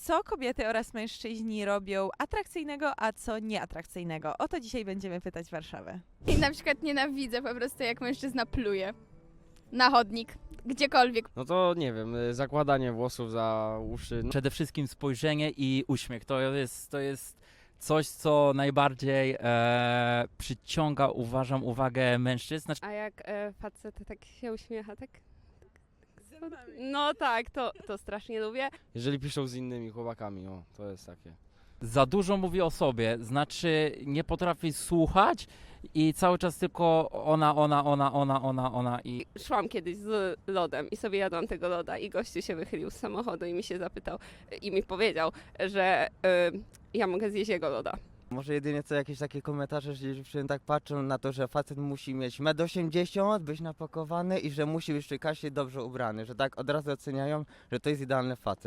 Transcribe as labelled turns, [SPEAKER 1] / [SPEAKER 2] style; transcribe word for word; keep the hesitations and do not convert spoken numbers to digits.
[SPEAKER 1] Co kobiety oraz mężczyźni robią atrakcyjnego, a co nieatrakcyjnego? O to dzisiaj będziemy pytać Warszawę.
[SPEAKER 2] I na przykład nienawidzę po prostu, jak mężczyzna pluje na chodnik, gdziekolwiek.
[SPEAKER 3] No to nie wiem, y, zakładanie włosów za uszy. No,
[SPEAKER 4] Przede wszystkim spojrzenie i uśmiech. To jest, to jest coś, co najbardziej e, przyciąga, uważam, uwagę mężczyzn.
[SPEAKER 5] A jak e, facet tak się uśmiecha, tak? No tak, to, to strasznie lubię.
[SPEAKER 3] jeżeli piszą z innymi chłopakami, o, to jest takie.
[SPEAKER 4] Za dużo mówi o sobie, znaczy nie potrafi słuchać i cały czas tylko ona, ona, ona, ona, ona, ona i
[SPEAKER 5] Szłam kiedyś z lodem i sobie jadłam tego loda i gościu się wychylił z samochodu i mi się zapytał i mi powiedział, że y, ja mogę zjeść jego loda.
[SPEAKER 6] Może jedynie co jakieś takie komentarze, że dziewczyny tak patrzą na to, że facet musi mieć metr osiemdziesiąt, być napakowany i że musi być przy kasie dobrze ubrany, że tak od razu oceniają, że to jest idealny facet.